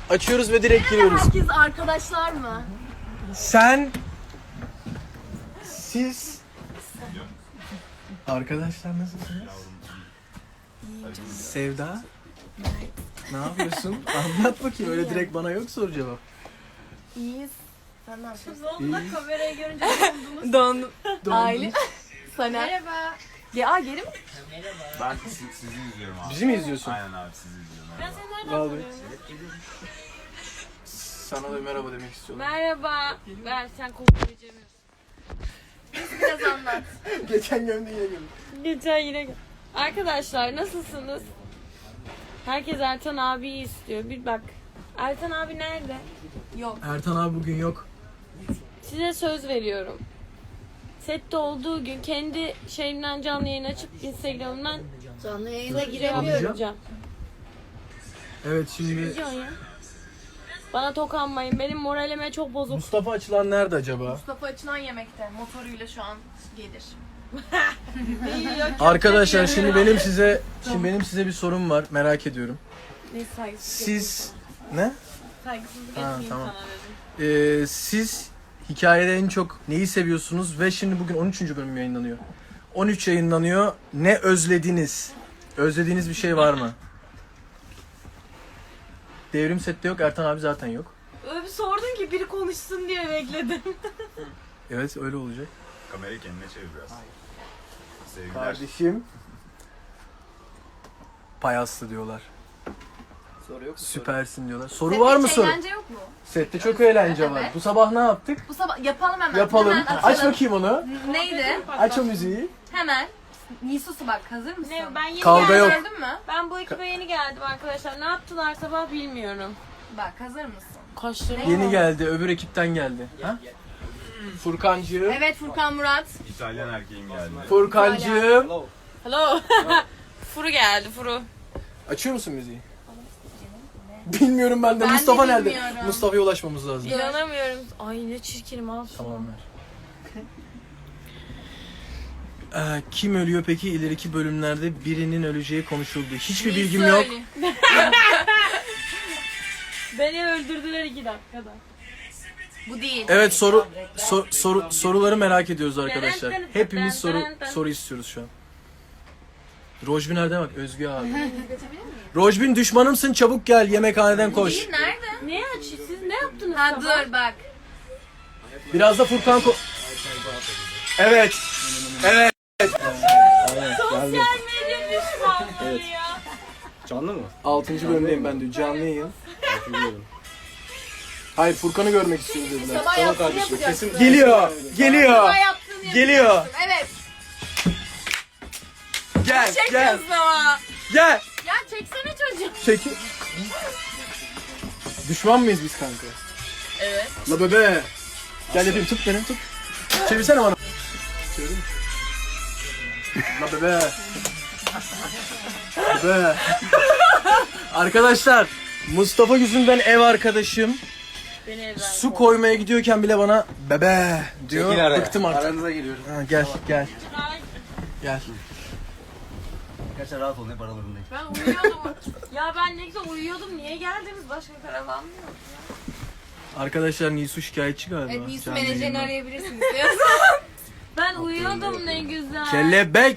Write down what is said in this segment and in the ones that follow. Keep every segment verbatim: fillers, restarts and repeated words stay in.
Açıyoruz ve direkt giriyoruz. Herkes arkadaşlar mı? Sen, siz, arkadaşlar nasılsınız? Sevda, ne yapıyorsun? Anlat bakayım, öyle direkt bana yok soru cevap. İyiyiz. Sen ne yapıyorsun? İyi. Kamerayı görünce Dondum. Dondun. Aile. Sana. merhaba. Ya geri mi? Ben siz, sizi izliyorum abi. Bizi mi izliyorsun? Aynen abi sizi izliyorum. Ben Merhaba. seni nereden Vallahi. tanıyorum? Sana da merhaba demek istiyorum. Merhaba. Ben sen kokunu beceremiyorsun. Biraz anlat. Geçen gömdün yine gömdün. Geçen yine gel- Arkadaşlar nasılsınız? Herkes Ertan abiyi istiyor. Bir bak. Ertan abi nerede? Yok. Ertan abi bugün yok. Size söz veriyorum. Sette olduğu gün kendi şeyimden canlı yayın açıp Instagram'dan Canlı yayına girebiliyorum. Evet şimdi Ne diyorsun ya? Bana tokanmayın. Benim moralime çok bozuk. Mustafa Açılan nerede acaba? Mustafa açılan yemekte. Motoruyla şu an gelir. Arkadaşlar şimdi benim size şimdi benim size bir sorum var. Merak ediyorum. Ne saygısızlık. Siz ne? Saygısızlık Ha, etmeyeyim tamam. sana dedim. Ee, siz hikayede en çok neyi seviyorsunuz ve şimdi bugün on üçüncü bölüm yayınlanıyor. on üç yayınlanıyor. Ne özlediniz? Özlediğiniz bir şey var mı? Devrim sette yok. Ertan abi zaten yok. Öyle bir sordun ki biri konuşsun diye bekledim. Evet öyle olacak. Kamerayı kendine çevir biraz. Sevgiler. Kardeşim. Payaslı diyorlar. Soru yok mu? Süpersin diyorlar. Soru var mı soru? Eğlence yok mu? Sette çok eğlence var. Evet. Bu sabah ne yaptık? Bu sabah yapalım hemen. Yapalım. Hemen Aç açalım. bakayım onu. Neydi? Aç o müziği. Hemen. Nisusu bak, hazır mısın? Ne ben yeni Kavga geldim. yok. Gördün mü? Ben bu ekibe yeni geldim arkadaşlar. Ne yaptılar sabah bilmiyorum. Bak, hazır mısın? Kaşlarım. Yeni geldi. Öbür ekipten geldi. Ha? Furkancığım. Evet, Furkan Murat. İtalyan erkeğim geldi. Furkancığım. Hello. Furu geldi Furu. Açıyor musun müziği? Bilmiyorum ben de. Ben de Mustafa nerede? bilmiyorum. Mustafa'ya ulaşmamız lazım. İnanamıyorum. Ay ne çirkinim al şunu. Tamam ver. Ee, kim ölüyor peki? İleriki bölümlerde birinin öleceği konuşuldu. Hiçbir bilgim yok. Söyle. Beni öldürdüler iki dakikada. Bu değil. Evet soru so- soru soruları merak ediyoruz arkadaşlar. Hepimiz soru soru istiyoruz şu an. Rojbin nerede bak Özgü abi. Rojbin düşmanımsın çabuk gel yemekhaneden koş. Değil, nerede? Ne aç? Siz ne yaptınız Ha sabah? dur bak. Biraz da Furkan ko- Evet. Evet. Sosyal medya düşmanlığı ya. Canlı mı? altıncı bölümdeyim ben de canlı yayın. Hayır Furkan'ı görmek istiyoruz dediler. Sabah Tamam yaptığını kardeşim, yapacaksın. kesin- Geliyor. Geliyor. Sabah yaptığını Geliyor. yapacaksın. Evet. Gel gel Çekiyorsun ama. gel. Ya çeksene çocuğu. Çekil. Düşman mıyız biz kanka? Evet. La bebe. Gel yapayım tut beni tut. Çevirsene bana. Çevirdin mi? La bebe. Bebe. Arkadaşlar Mustafa yüzünden ev arkadaşım Beni evden su koymaya gidiyorken bile bana bebe diyor. Çekil araya. Bıktım artık. Aranıza giriyorum. Ha, gel gel gel. Gerçekten rahat olun hep aralarındayım. Ben uyuyordum. Ya ben ne güzel uyuyordum. Niye geldiniz? Başka karavan mı yok? Arkadaşlar Nisu şikayetçi galiba. Evet, Nisu Canlı menajerini yayında. arayabilirsiniz diyorsun. Ben uyuyordum ne güzel. Kelebek.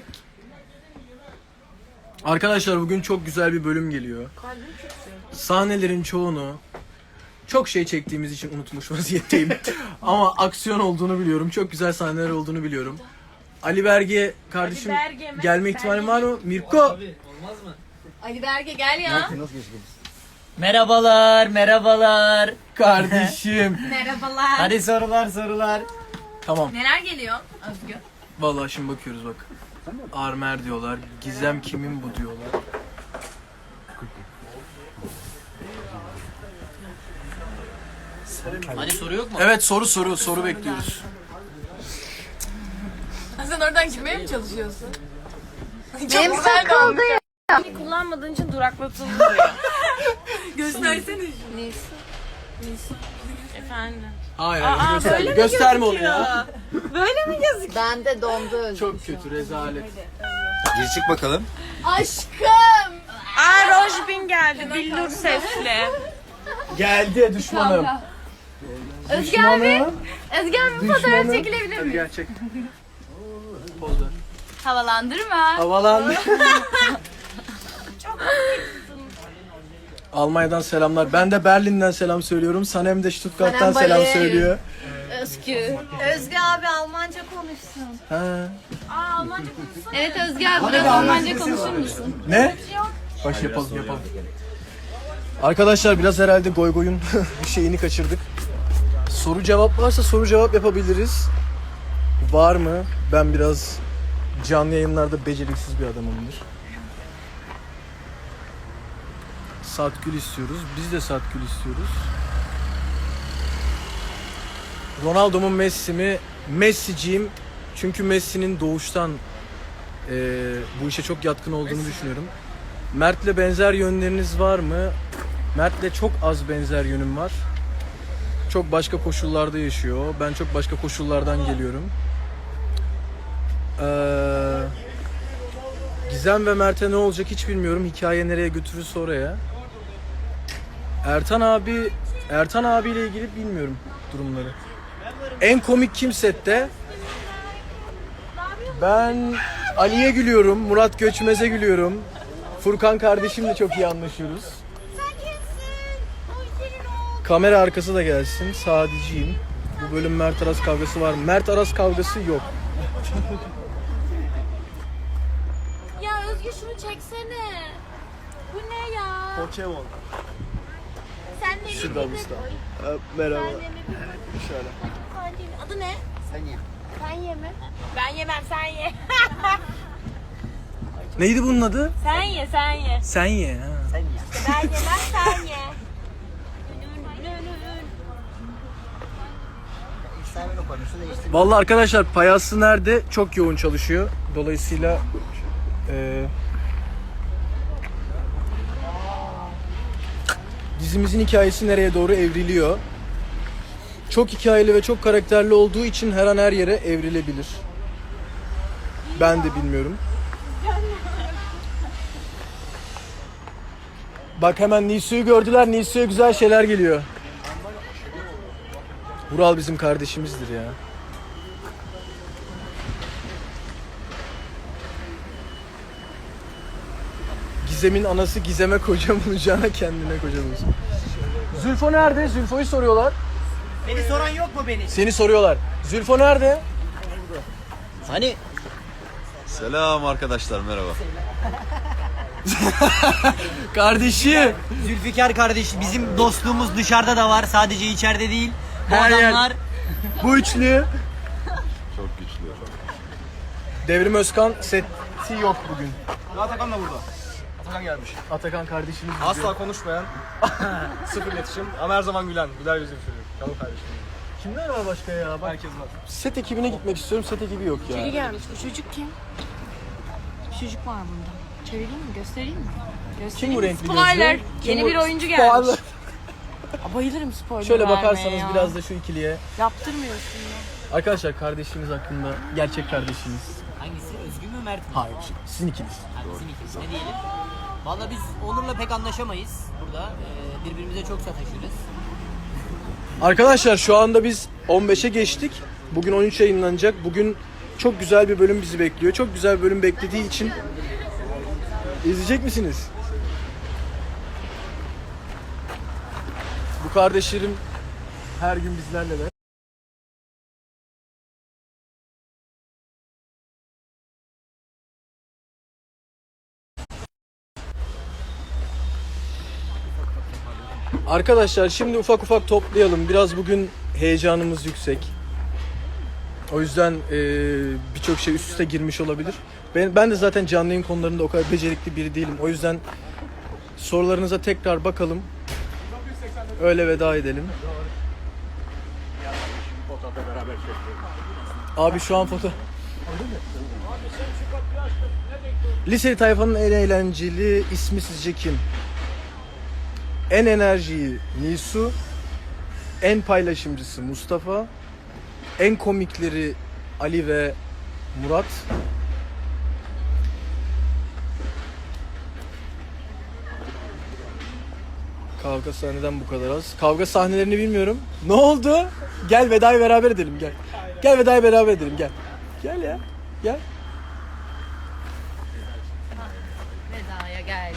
Arkadaşlar bugün çok güzel bir bölüm geliyor. Sahnelerin çoğunu çok şey çektiğimiz için unutmuş vaziyetteyim. Ama aksiyon olduğunu biliyorum. Çok güzel sahneler olduğunu biliyorum. Ali Berge kardeşim Ali Berge mi? gelme ihtimali var mı? Mirko. Ali Berge gel ya. Nasıl geçtiniz? Merhabalar, merhabalar. Kardeşim. Merhabalar. Hadi sorular, sorular. Tamam. Neler geliyor Özgü? Vallahi şimdi bakıyoruz bak. Armer diyorlar. Gizem kimin bu diyorlar. Hadi soru yok mu? Evet soru soru soru bekliyoruz. Sen oradan girmeye mi çalışıyorsun? Benim takıldı ya. Beni kullanmadığın için duraklatıldı diyor. Göstersene. Neyse. Efendim. Hayır, Aa, hayır gösterme, böyle mi gösterme onu gözüküyor? ya. Böyle mi gözüküyor? Ben de dondu Özgü. Çok kötü rezalet. Gir çık bakalım. Aşkım. Aa Rojbin geldi. Billur sesli. Geldi düşmanım. Özge abi. Düşmanım. Özge abi bir fotoğraf Düşmanım. çekilebilir Hadi miyim? gel çek. Poz ver. Havalandırma. Havalandı. Almanya'dan selamlar. Ben de Berlin'den selam söylüyorum. Sanem de Stuttgart'tan Sanem selam Bali. söylüyor. Özgü. Özge abi Almanca konuşsun. Ha. Evet Özge abi biraz Almanca konuşur musun? Ne? Baş yapalım yapalım. Arkadaşlar biraz herhalde goy goyun bir şeyini kaçırdık. Soru cevap varsa soru cevap yapabiliriz. Var mı? Ben biraz canlı yayınlarda beceriksiz bir adamımdır. Satgül istiyoruz. Biz de Satgül istiyoruz. Ronaldo mu Messi mi? Messi'ciyim. Çünkü Messi'nin doğuştan eee, bu işe çok yatkın olduğunu düşünüyorum. Mert'le benzer yönleriniz var mı? Mert'le çok az benzer yönüm var. Çok başka koşullarda yaşıyor. Ben çok başka koşullardan geliyorum. Ee, Gizem ve Mert'e ne olacak hiç bilmiyorum. Hikaye nereye götürürse oraya. Ertan abi, Ertan abiyle ilgili bilmiyorum durumları. En komik kim sette? Ben Ali'ye gülüyorum, Murat Göçmez'e gülüyorum. Furkan kardeşimle çok iyi anlaşıyoruz. Kamera arkası da gelsin. Sadiciyim. Bu bölüm Mert Aras kavgası var mı? Mert Aras kavgası yok. Ya Özgür şunu çeksene. Bu ne ya? Pokemon. Sen de Şurada usta. Merhaba. Şöyle. Adı ne? Sen ye. Sen ye mi? Ben yemem sen ye. Neydi bunun adı? Sen ye sen ye. Sen ye. Ha. Sen ye. Ben yemem sen ye. İstemen o konusu değiştir. Vallahi arkadaşlar Payaslı nerede? Çok yoğun çalışıyor. Dolayısıyla e, dizimizin hikayesi nereye doğru evriliyor? Çok hikayeli ve çok karakterli olduğu için her an her yere evrilebilir. Ben de bilmiyorum. Bak hemen Nisu'yu gördüler. Nisu'ya güzel şeyler geliyor. Vural bizim kardeşimizdir ya. Gizem'in anası Gizem'e koca bulacağına kendine koca bulsun. Zülfo nerede? Zülfo'yu soruyorlar. Beni soran yok mu beni? Seni soruyorlar. Zülfo nerede? Hani? Selam arkadaşlar, merhaba. Kardeşim. Zülfikar kardeş, bizim dostluğumuz dışarıda da var, sadece içeride değil. Bu Her yer- adamlar Bu üçlü. Çok güçlü. Devrim Özkan seti yok bugün. Atakan da burada. Atakan gelmiş. Atakan kardeşimiz. Asla konuşmayan, sıfır iletişim ama her zaman gülen, güler yüzlü bir çocuk. Canım kardeşim. Kimler var başka ya? Bak, Herkes var. set ekibine gitmek istiyorum. Set ekibi yok ya. Biri gelmiş. Bu çocuk kim? Bir çocuk var bunda. Çevireyim mi? Göstereyim mi? Kim bu renkli Spoiler. gözlü? Kim Yeni bu- bir oyuncu Spoiler. gelmiş. Aa, bayılırım spoiler Şöyle vermeye bakarsanız ya. biraz da şu ikiliye. Yaptırmıyorsun ya. Arkadaşlar kardeşiniz hakkında gerçek kardeşiniz. hangisi? Özgür mü Mert mi? Hayır, sizin ikiniz. Hangisinin ikisi? Ne diyelim? Valla biz Onur'la pek anlaşamayız burada. Ee, birbirimize çok sataşırız. Arkadaşlar şu anda biz on beşe geçtik. Bugün on üç yayınlanacak. Bugün çok güzel bir bölüm bizi bekliyor. Çok güzel bir bölüm beklediği için izleyecek misiniz? Bu kardeşlerim her gün bizlerle de. Arkadaşlar şimdi ufak ufak toplayalım. Biraz bugün heyecanımız yüksek. O yüzden eee, birçok şey üst üste girmiş olabilir. Ben, ben de zaten canlı yayın konularında o kadar becerikli biri değilim. O yüzden sorularınıza tekrar bakalım. Öyle veda edelim. Abi şu an foto... Liseli tayfanın en eğlenceli ismi sizce kim? En enerjiyi Nisu, en paylaşımcısı Mustafa, en komikleri Ali ve Murat, Kavga sahneden bu kadar az. Kavga sahnelerini bilmiyorum. Ne oldu? Gel vedayı beraber edelim gel. Gel vedayı beraber edelim gel. Gel ya. Gel. Veda'ya geldim.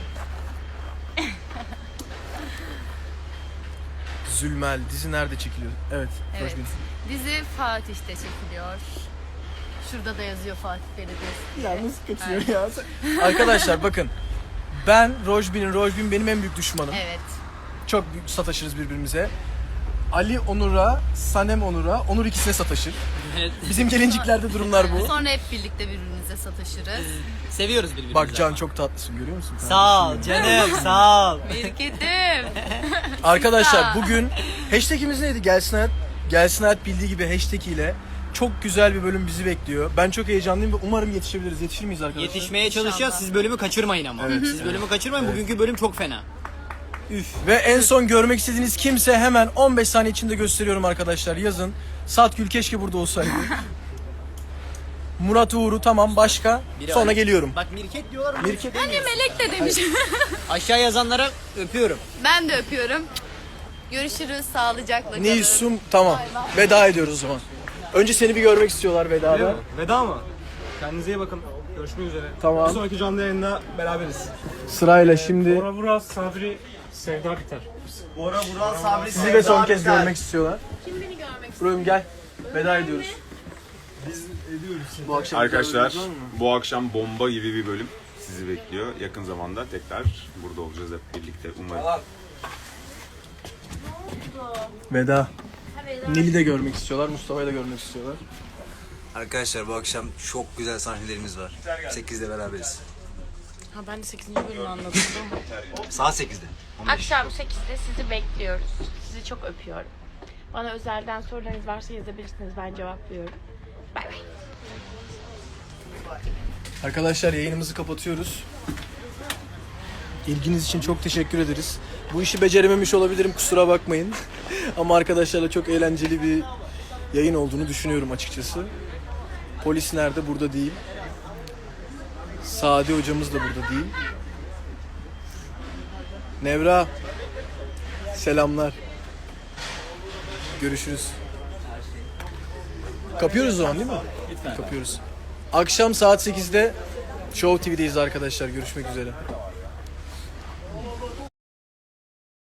Zülmel dizi nerede çekiliyor? Evet. Evet. Rojbin. Dizi Fatih'te çekiliyor. Şurada da yazıyor Fatih Belediyesi. Ya nasıl kaçıyor ya? Arkadaşlar bakın. Ben Rojbin'in, Rojbin benim en büyük düşmanım. Evet. Çok büyük sataşırız birbirimize. Ali Onur'a, Sanem Onur'a, Onur ikisine sataşır. Bizim gelinciklerde durumlar bu. Sonra hep birlikte birbirimize sataşırız. Seviyoruz birbirimizi. Bak Can çok tatlısın görüyor musun? Sağ ol canım, sağ ol. Mirketim. Arkadaşlar bugün hashtagimiz neydi? Gelsin Hayat. Gelsin Hayat bildiği gibi hashtag ile çok güzel bir bölüm bizi bekliyor. Ben çok heyecanlıyım ve umarım yetişebiliriz. Yetişir miyiz arkadaşlar? Yetişmeye çalışacağız. Siz bölümü kaçırmayın ama. Siz bölümü kaçırmayın. Bugünkü bölüm çok fena. Ve en son görmek istediğiniz kimse hemen on beş saniye içinde gösteriyorum arkadaşlar. Yazın. Satgül keşke burada olsaydı. Murat Uğur'u tamam başka. Biri Sonra Ali. geliyorum. Bak Mirket diyorlar ama Mirket Melek de demiş. aşağı yazanlara öpüyorum. Ben de öpüyorum. Görüşürüz. Sağlıcakla kalın. Nilsum tamam. Veda ediyoruz o zaman. Önce seni bir görmek istiyorlar Öyle vedada. mi? Veda mı? Kendinize iyi bakın. Görüşmek üzere. Tamam. Bir sonraki canlı yayında beraberiz. Sırayla şimdi Bora Burak, Sabri, Sevda biter. Bora Burak Sabri sizi de son kez Sevda görmek istiyorlar. Kim beni görmek istiyor? Buraya gel. Veda ediyoruz. Biz ediyoruz. Bu akşam Arkadaşlar var mı? bu akşam bomba gibi bir bölüm sizi bekliyor. Yakın zamanda tekrar burada olacağız hep birlikte umarım. Veda. Nil'i de görmek istiyorlar, Mustafa'yı da görmek istiyorlar. Arkadaşlar bu akşam çok güzel sahnelerimiz var. sekizde beraberiz. Ha ben de sekizinci bölümü anladım. Saat sekizde. Akşam sekizde sizi bekliyoruz. Sizi çok öpüyorum. Bana özelden sorularınız varsa yazabilirsiniz. Ben cevaplıyorum. Bay bay. Arkadaşlar yayınımızı kapatıyoruz. İlginiz için çok teşekkür ederiz. Bu işi becerememiş olabilirim, kusura bakmayın. Ama arkadaşlarla çok eğlenceli bir yayın olduğunu düşünüyorum açıkçası. Polis nerede? Burada değil. Sadi hocamız da burada değil. Nevra, selamlar. Görüşürüz. Kapıyoruz o zaman değil mi? Kapıyoruz. Akşam saat sekizde Show T V'deyiz arkadaşlar. Görüşmek üzere.